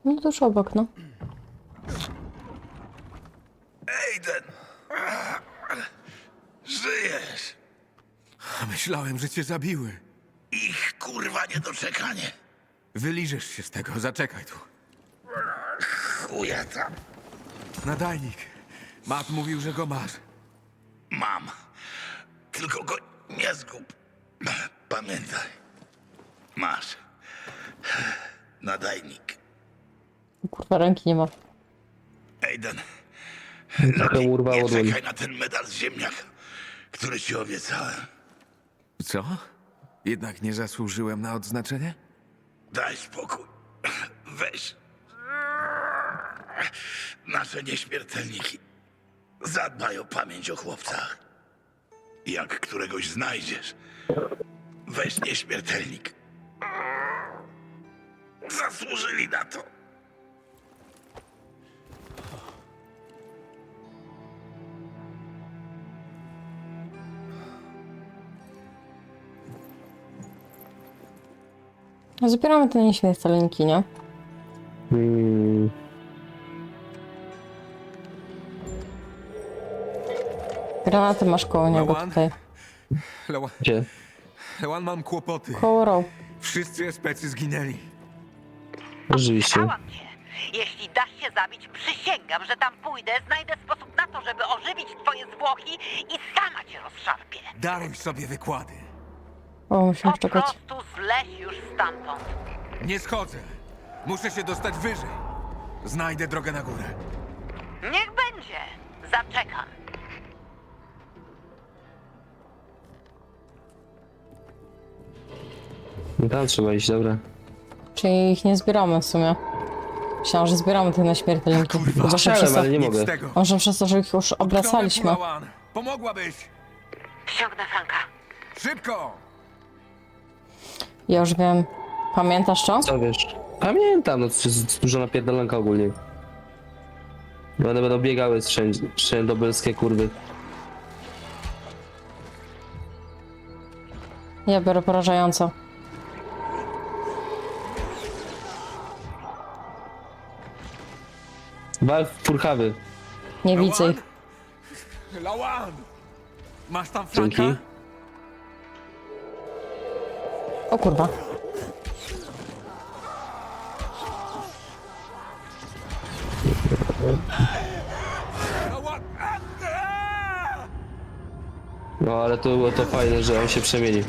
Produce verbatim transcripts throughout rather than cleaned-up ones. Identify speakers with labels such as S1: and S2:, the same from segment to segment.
S1: No tuż obok, no.
S2: Aiden! Żyjesz!
S3: Myślałem, że cię zabiły.
S2: Ich kurwa niedoczekanie.
S3: Wyliżesz się z tego, zaczekaj tu.
S2: Chuja tam.
S3: Nadajnik. Matt mówił, że go masz.
S2: Mam. Tylko go nie zgub. Pamiętaj. Masz. Nadajnik.
S1: Kurwa, ręki nie ma.
S2: Aiden.
S4: Trochę
S2: Lepiej
S4: urwało
S2: nie
S4: dłoń.
S2: czekaj na ten medal z ziemniaka, który ci obiecałem.
S3: Co? Jednak nie zasłużyłem na odznaczenie?
S2: Daj spokój. Weź. Nasze nieśmiertelniki zadbaj o pamięć o chłopcach. Jak któregoś znajdziesz, weź nieśmiertelnik. Zasłużyli na to.
S1: Zbieramy te nieśmiertelniki, nie?
S4: Hmm.
S1: Granaty masz koło niego
S3: Lewan?
S1: tutaj.
S3: Lewan,
S4: Gdzie?
S3: Lewan, mam kłopoty.
S1: Koło row.
S3: Wszyscy especy zginęli.
S4: Rzeczywiście.
S5: Pytałam cię. Jeśli dasz się zabić, przysięgam, że tam pójdę, znajdę sposób na to, żeby ożywić twoje zwłoki i sama cię rozszarpię.
S3: Daruj sobie wykłady.
S1: O, musimy
S5: Po
S1: czekać.
S5: prostu zleć już stamtąd.
S3: Nie schodzę. Muszę się dostać wyżej. Znajdę drogę na górę.
S5: Niech będzie. Zaczekam.
S4: No tam trzeba iść, dobra.
S1: Czyli ich nie zbieramy w sumie. Myślałam, że zbieramy te nieśmiertelniki.
S3: Kurwa,
S1: Chyba, że
S4: chciałem,
S1: przez to...
S4: ale nie
S3: Nic
S4: mogę.
S3: z tego.
S1: Może przez to, że ich już obracaliśmy.
S3: Utknąłem tu, Lewan. Pomogłabyś.
S5: Ściągnę Franka.
S3: Szybko!
S1: Ja już wiem. Pamiętasz co?
S4: Co wiesz? Pamiętam, no to jest dużo napierdalanka ogólnie. No one będą biegały wszędzie, wszędzie dobelskie kurwy.
S1: Ja biorę porażająco.
S4: Wal w purchawy.
S1: Nie widzę ich.
S3: Lewan! Masz tam
S4: Dzięki.
S3: Franka?
S1: O kurwa.
S3: Lewan! Aaa!
S4: No ale to było to fajne, że on się przemieni.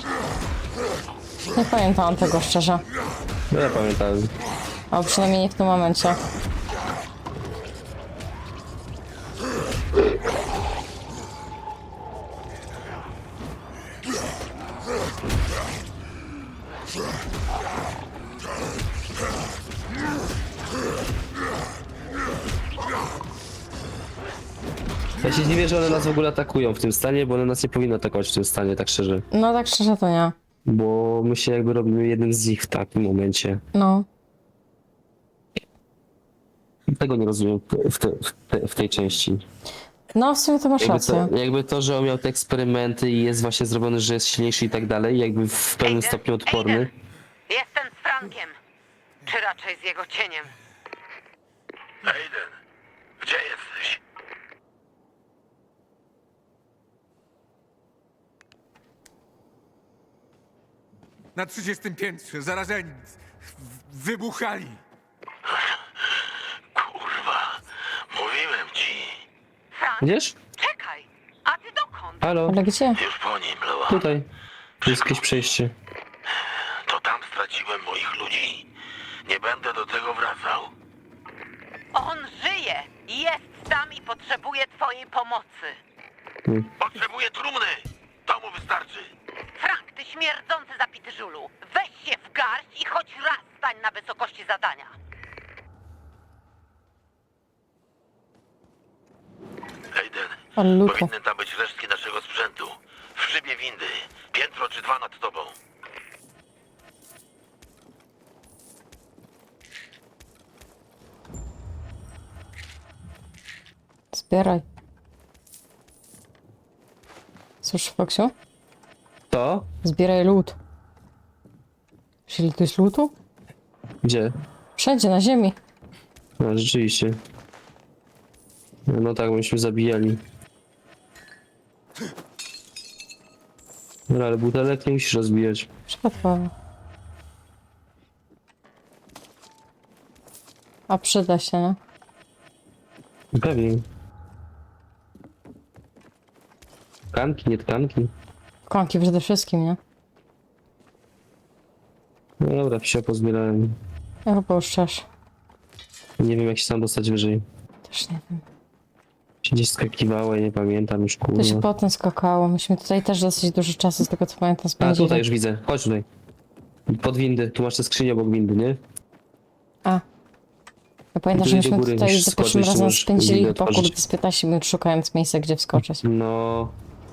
S1: Nie pamiętałam tego szczerze.
S4: No ja pamiętałem.
S1: A przynajmniej nie w tym momencie.
S4: Ja się dziwię, że one nas w ogóle atakują w tym stanie, bo one nas nie powinny atakować w tym stanie, tak szczerze.
S1: No tak szczerze to nie.
S4: Bo my się jakby robimy jeden z nich w takim momencie.
S1: No.
S4: Tego nie rozumiem w, te, w, te, w tej części.
S1: No w sumie to masz
S4: Jakby
S1: rację.
S4: to, jakby to, że on miał te eksperymenty i jest właśnie zrobiony, że jest silniejszy i tak dalej, jakby w pewnym
S5: Aiden,
S4: stopniu odporny.
S5: Aiden. Jestem z Frankiem. Czy raczej z jego cieniem.
S2: Aiden, gdzie jesteś?
S3: Na trzydziestym piętrze, zarażeni. W- Wybuchali.
S2: Kurwa, mówiłem ci.
S5: Frank,
S4: Widzisz?
S5: czekaj. A ty dokąd?
S4: Halo,
S1: Ale gdzie?
S2: Już po nim, Lewan.
S4: tutaj. Tu jest jakieś przejście.
S2: To tam straciłem moich ludzi. Nie będę do tego wracał.
S5: On żyje. Jest tam i potrzebuje twojej pomocy.
S2: Potrzebuję trumny. To mu wystarczy.
S5: Frank, ty śmierdzący zapity żulu. Weź się w garść i choć raz stań na wysokości zadania.
S2: Aiden,
S1: Ale luto.
S2: powinny tam być resztki naszego sprzętu. W szybie windy. Piętro czy dwa nad tobą.
S1: Zbieraj. Cóż, Foksiu?
S4: To?
S1: Zbieraj lód. Czyli to jest lutu?
S4: Gdzie?
S1: Wszędzie na ziemi.
S4: No, rzeczywiście. No tak, myśmy zabijali. No ale butelek nie musisz rozbijać.
S1: Przypadkowo. A przyda się, no.
S4: Pewnie. Tkanki, nie tkanki.
S1: Konki przede wszystkim, nie?
S4: No dobra, wsia pozbierałem.
S1: Ja chyba już też.
S4: Nie wiem jak się tam dostać wyżej.
S1: Też nie wiem.
S4: Się gdzieś skakiwało, ja nie pamiętam już
S1: To się
S4: kurwa.
S1: potem skakało. Myśmy tutaj też dosyć dużo czasu, z tego co pamiętam,
S4: A
S1: spędzili.
S4: tutaj już widzę, chodź tutaj. Pod windy, tu masz te skrzynię obok windy, nie?
S1: A. Ja pamiętam,
S4: Tu
S1: że
S4: idzie
S1: myśmy
S4: góry,
S1: tutaj
S4: musisz
S1: za pierwszym
S4: skoczyć,
S1: razem
S4: możesz
S1: spędzili
S4: windę
S1: chyba
S4: otworzyć.
S1: kurde z piętnaście minut szukając miejsca, gdzie wskoczyć.
S4: No.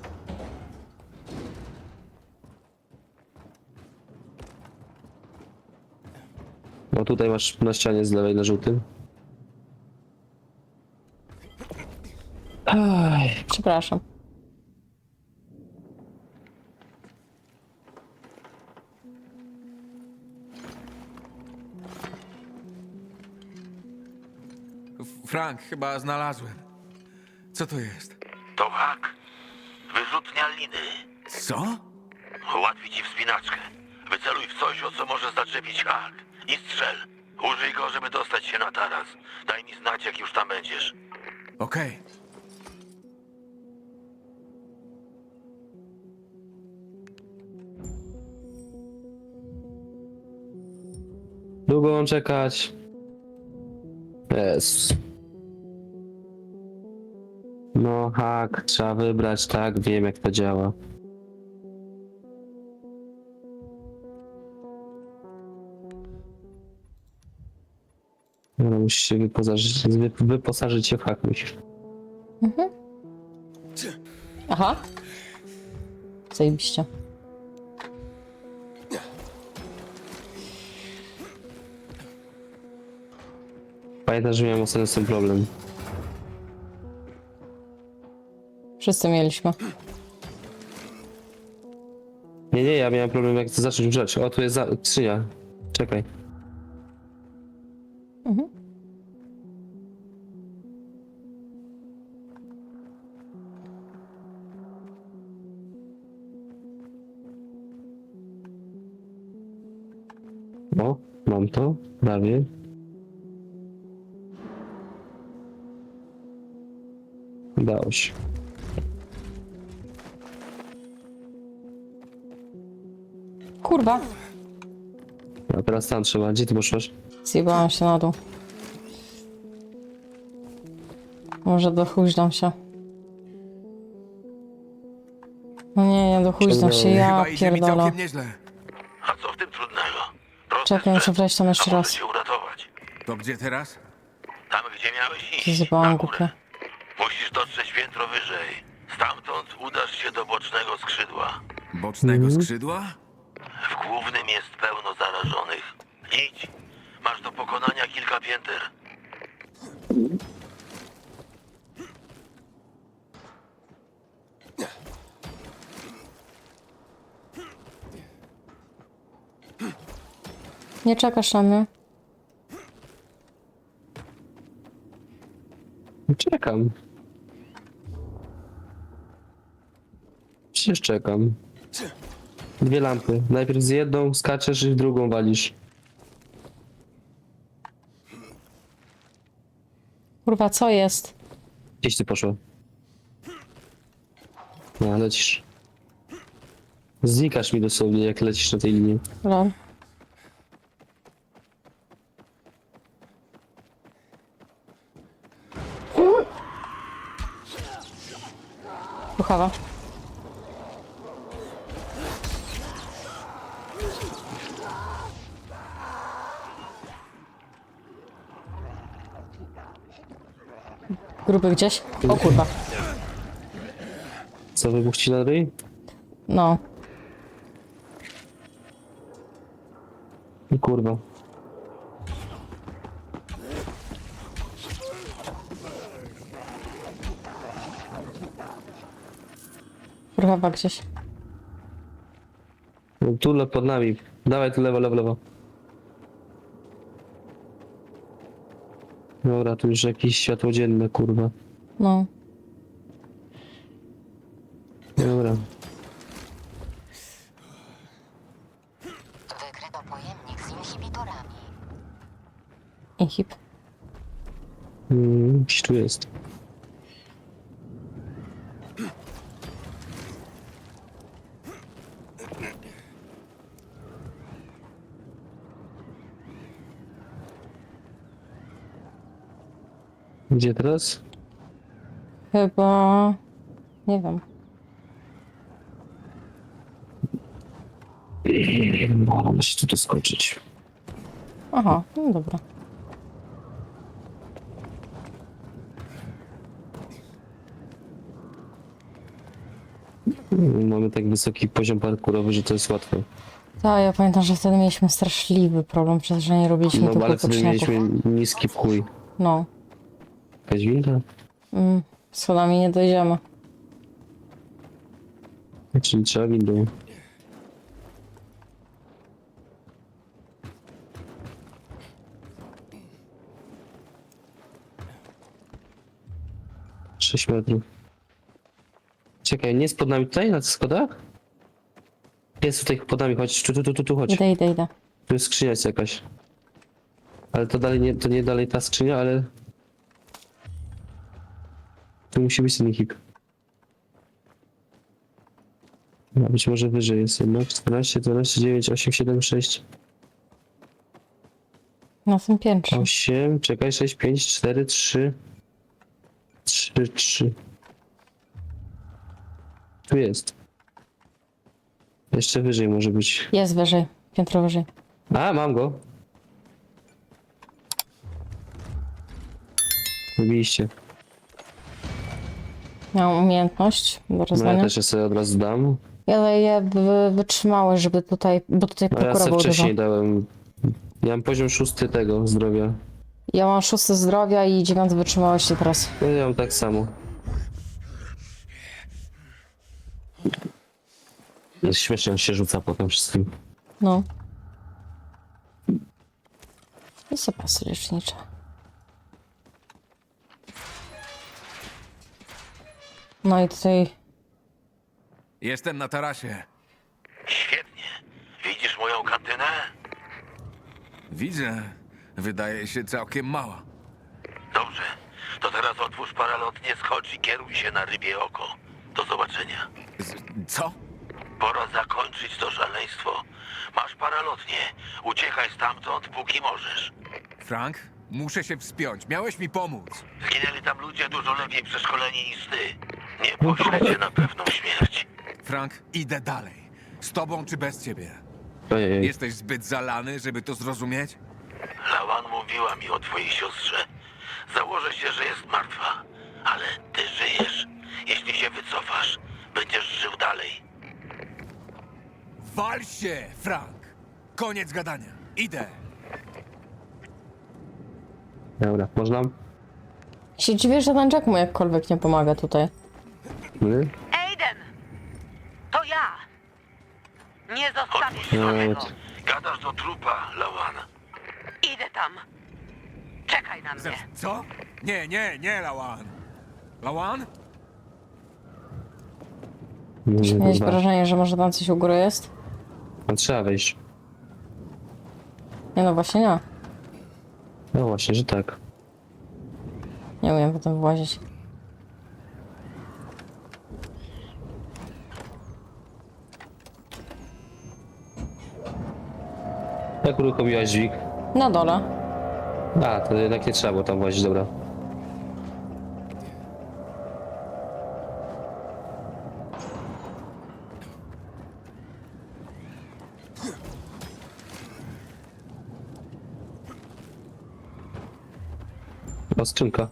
S4: No tutaj masz na ścianie z lewej na żółtym. Aj,
S1: Przepraszam.
S3: F- Frank, chyba znalazłem. Co to jest?
S2: To hak. Wyrzutnia liny.
S3: Co?
S2: Ułatwi ci wspinaczkę. Wyceluj w coś, o co może zaczepić hak. I strzel. Użyj go, żeby dostać się na taras. Daj mi znać, jak już tam będziesz.
S3: Okej.
S4: długo mam czekać. Jest. No hak, trzeba wybrać, tak, wiem jak to działa. No, musisz się wyposażyć, wy- wyposażyć się w hak, musisz.
S1: Aha. Zajebiście.
S4: Pamiętam, że miałem ostatnio z tym problem.
S1: Wszyscy mieliśmy.
S4: Nie, nie, ja miałem problem jak zacząć grzać. O, tu jest za... skrzynia. Czekaj.
S1: Mhm.
S4: O, mam to, prawie. Udało się.
S1: Kurwa.
S4: A teraz tam trzeba. Gdzie ty poszłaś?
S1: Zjebałam się na dół. Może dochuźdam się. No nie, nie dochuźdam się, ja
S3: Chyba idzie mi
S1: pierdolę.
S3: całkiem nieźle.
S2: A co w tym trudnego? Prosty
S1: Czekaj, muszę
S2: sprzęt,
S1: wejść tam jeszcze
S2: a może
S1: raz.
S2: cię uratować.
S3: To gdzie teraz?
S2: Tam, gdzie miałeś
S1: Się
S2: iść.
S1: zjebałam
S2: Na górę.
S1: głupie.
S2: Musisz dotrzeć piętro wyżej. Stamtąd udasz się do bocznego skrzydła.
S3: Bocznego skrzydła?
S2: W głównym jest pełno zarażonych. Idź. Masz do pokonania kilka pięter.
S1: Nie czekasz na mnie?
S4: Czekam. Przecież czekam. Dwie lampy. Najpierw z jedną skaczesz i w drugą walisz.
S1: Kurwa, co jest?
S4: Gdzieś ty poszła? No, lecisz. Znikasz mi dosłownie, jak lecisz na tej linii.
S1: Lol. Puchawa. Gruby gdzieś? O kurwa.
S4: Co, wybuch ci na ryj?
S1: No.
S4: Kurwa.
S1: Kurwa gdzieś.
S4: No, tu le- pod nami. Dawaj tu lewo, lewo, lewo. Dobra, tu już jakieś światło dzienne, kurwa.
S1: No.
S4: Dobra.
S5: Wykryto pojemnik z inhibitorami.
S1: Inhib.
S4: Mm, gdzieś tu jest. Gdzie teraz?
S1: Chyba... Nie wiem.
S4: Mam się tu doskoczyć.
S1: Aha, no dobra.
S4: Mamy tak wysoki poziom parkurowy, że to jest łatwe.
S1: Tak, ja pamiętam, że wtedy mieliśmy straszliwy problem, przez że nie robiliśmy
S4: No
S1: tylko
S4: ale wtedy
S1: odcinków.
S4: mieliśmy niski w chuj.
S1: No.
S4: Jakaś winda?
S1: Mm, schodami nie dojdziemy.
S4: Czyli trzeba windą. Sześć metrów. Czekaj, nie jest pod nami tutaj, na tych schodach? Jest tutaj pod nami, chodź, tu, tu, tu, tu, tu chodź.
S1: Idę, idę, idę.
S4: Tu jest skrzynia jest jakaś. Ale to dalej nie, to nie dalej ta skrzynia, ale... Tu musi być ten hip. No, być może wyżej jest jednak. czternaście, dwanaście, dziewięć, osiem, siedem, sześć,
S1: Na tym piętrze.
S4: osiem, czekaj, sześć, pięć, cztery, trzy, trzy, trzy. Tu jest. Jeszcze wyżej może być.
S1: Jest wyżej. Piętro wyżej.
S4: A, mam go. Wybiliście.
S1: Miałam umiejętność do
S4: No ja
S1: rozdania.
S4: też je sobie od razu dam.
S1: Ja daję wy, wytrzymałość, żeby tutaj, bo tutaj
S4: A ja
S1: prokura
S4: sobie
S1: był dużo.
S4: wcześniej dałem. Ja mam poziom szósty tego zdrowia.
S1: Ja mam szósty zdrowia i dziewiąty wytrzymałości teraz.
S4: No ja mam tak samo. Jest śmiesznie, on się rzuca potem wszystkim.
S1: No. I zapasy lecznicze. No i tutaj...
S3: Jestem na tarasie.
S2: Świetnie. Widzisz moją kantynę?
S3: Widzę. Wydaje się całkiem mała.
S2: Dobrze. To teraz otwórz paralotnie, skocz i kieruj się na rybie oko. Do zobaczenia.
S3: Z, co?
S2: Pora zakończyć to szaleństwo. Masz paralotnie. Uciekaj stamtąd, póki możesz.
S3: Frank? Muszę się wspiąć. Miałeś mi pomóc.
S2: Zginęli tam ludzie dużo lepiej przeszkoleni niż ty. Nie poślę cię na pewną śmierć.
S3: Frank, idę dalej. Z tobą czy bez ciebie?
S4: Ojej.
S3: Jesteś zbyt zalany, żeby to zrozumieć?
S2: Lawan mówiła mi o twojej siostrze. Założę się, że jest martwa. Ale ty żyjesz. Jeśli się wycofasz, będziesz żył dalej.
S3: Wal się, Frank! Koniec gadania. Idę.
S4: Dobra, można?
S1: Się dziwię, że ten Jack mu jakkolwiek nie pomaga tutaj.
S4: My?
S5: Aiden! To ja! Nie zostawię
S2: Odpuść
S5: cię
S4: No,
S5: samego.
S2: Gadasz do trupa, Lawan.
S5: Idę tam. Czekaj na mnie.
S3: Co? Nie, nie, nie, Lawan. Lawan?
S4: Nie,
S1: Miałeś
S4: kurwa.
S1: wrażenie, że może tam coś u góry jest?
S4: No, trzeba wejść.
S1: Nie no, właśnie nie.
S4: No właśnie, że tak.
S1: Nie umiem potem włazić.
S4: Jak uruchomiłaś dźwig?
S1: Na dole.
S4: A, to jednak nie trzeba było tam włazić, dobra. O, skrzynka.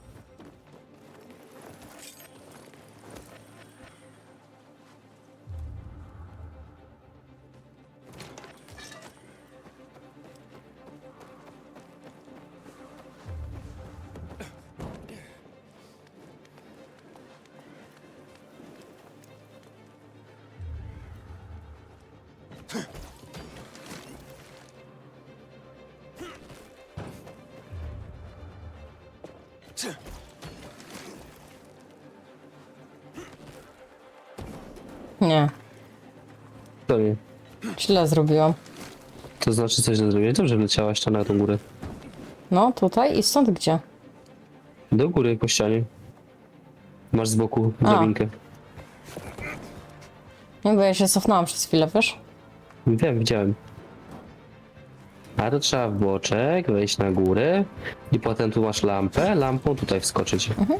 S1: Nie,
S4: To nie.
S1: źle zrobiłam.
S4: To znaczy coś źle zrobiłeś? Dobrze wleciałaś tam na tą górę.
S1: No, tutaj i stąd gdzie?
S4: Do góry po ścianie. Masz z boku
S1: A.
S4: drabinkę.
S1: Nie, bo ja się cofnęłam przez chwilę, wiesz?
S4: Wiem, widziałem. A to trzeba w boczek, wejść na górę i potem tu masz lampę, lampą tutaj wskoczyć.
S1: Mhm.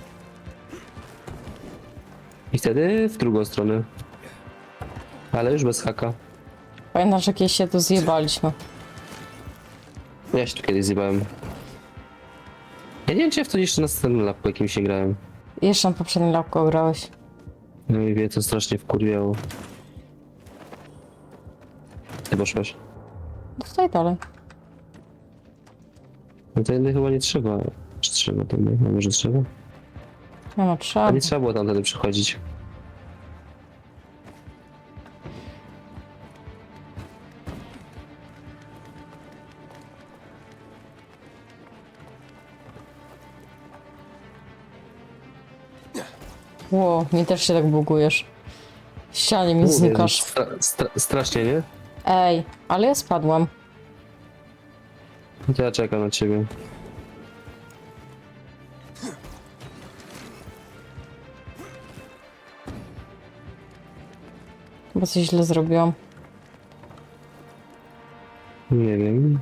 S4: I wtedy w drugą stronę. Ale już bez haka.
S1: Pamiętasz, jak kiedyś się tu zjebaliśmy.
S4: Ja się tu kiedyś zjebałem. Ja nie wiem, czy ja w to jeszcze na następnym lapku jakimś nie grałem.
S1: Jeszcze na poprzednim lapku grałeś.
S4: No i wie, to strasznie wkurwiało. Ty poszłaś.
S1: No tutaj dalej.
S4: No to jednak chyba nie trzeba. Czy trzeba to? A może trzeba?
S1: Nie no,
S4: A
S1: trzeba.
S4: nie trzeba było tam wtedy przychodzić.
S1: Ło, mi też się tak bugujesz. W ścianie mi
S4: Mówię,
S1: znikasz.
S4: Stra stra strasznie, nie?
S1: Ej, ale ja spadłam.
S4: To ja czekam na ciebie.
S1: Chyba coś źle zrobiłam.
S4: Nie wiem.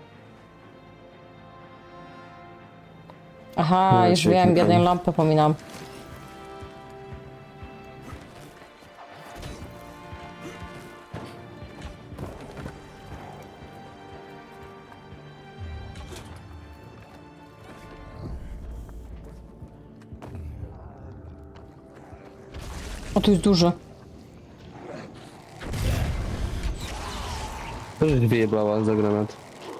S1: Aha,
S4: No,
S1: już
S4: czyli
S1: wiem,
S4: tylko-
S1: jedną lampę pominam. O, tu jest duży.
S4: To żeś wyjebała za granat.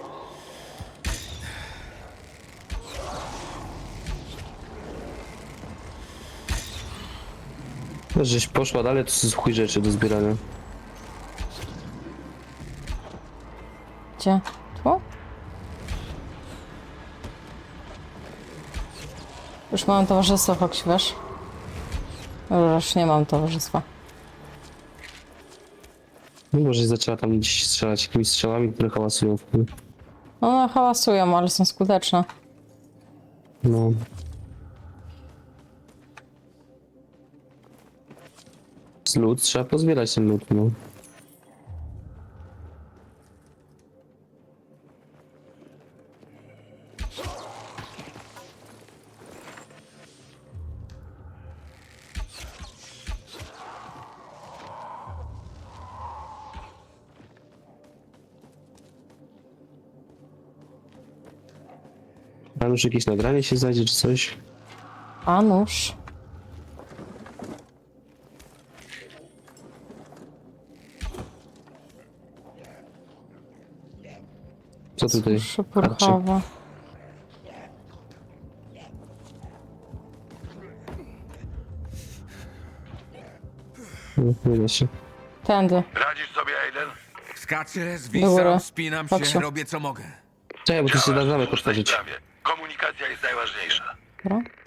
S4: To żeś poszła dalej, to jest chuj rzeczy do zbierania.
S1: Gdzie? Tu? Już mam towarzystwo, Fox, wiesz? Już nie mam towarzystwa.
S4: No może zaczęła tam gdzieś strzelać jakimiś strzałami, które hałasują w chuj.
S1: No, no hałasują, ale są skuteczne.
S4: No. Z lód trzeba pozbierać ten lód, no. A już jakieś nagranie się znajdzie, czy coś?
S1: A nóż.
S4: Co tutaj?
S1: Szypurchowa.
S4: No, nie da się.
S1: Tędy.
S2: Radzisz sobie, Aiden?
S3: Skaczę,
S1: Do góry.
S3: zwisam, spinam się,
S1: Patrzę.
S3: robię co mogę.
S4: Czekaj, bo tu się da zamek
S2: Słusznej
S4: otworzyć.
S2: sprawie. Komunikacja jest najważniejsza.
S1: Dobra.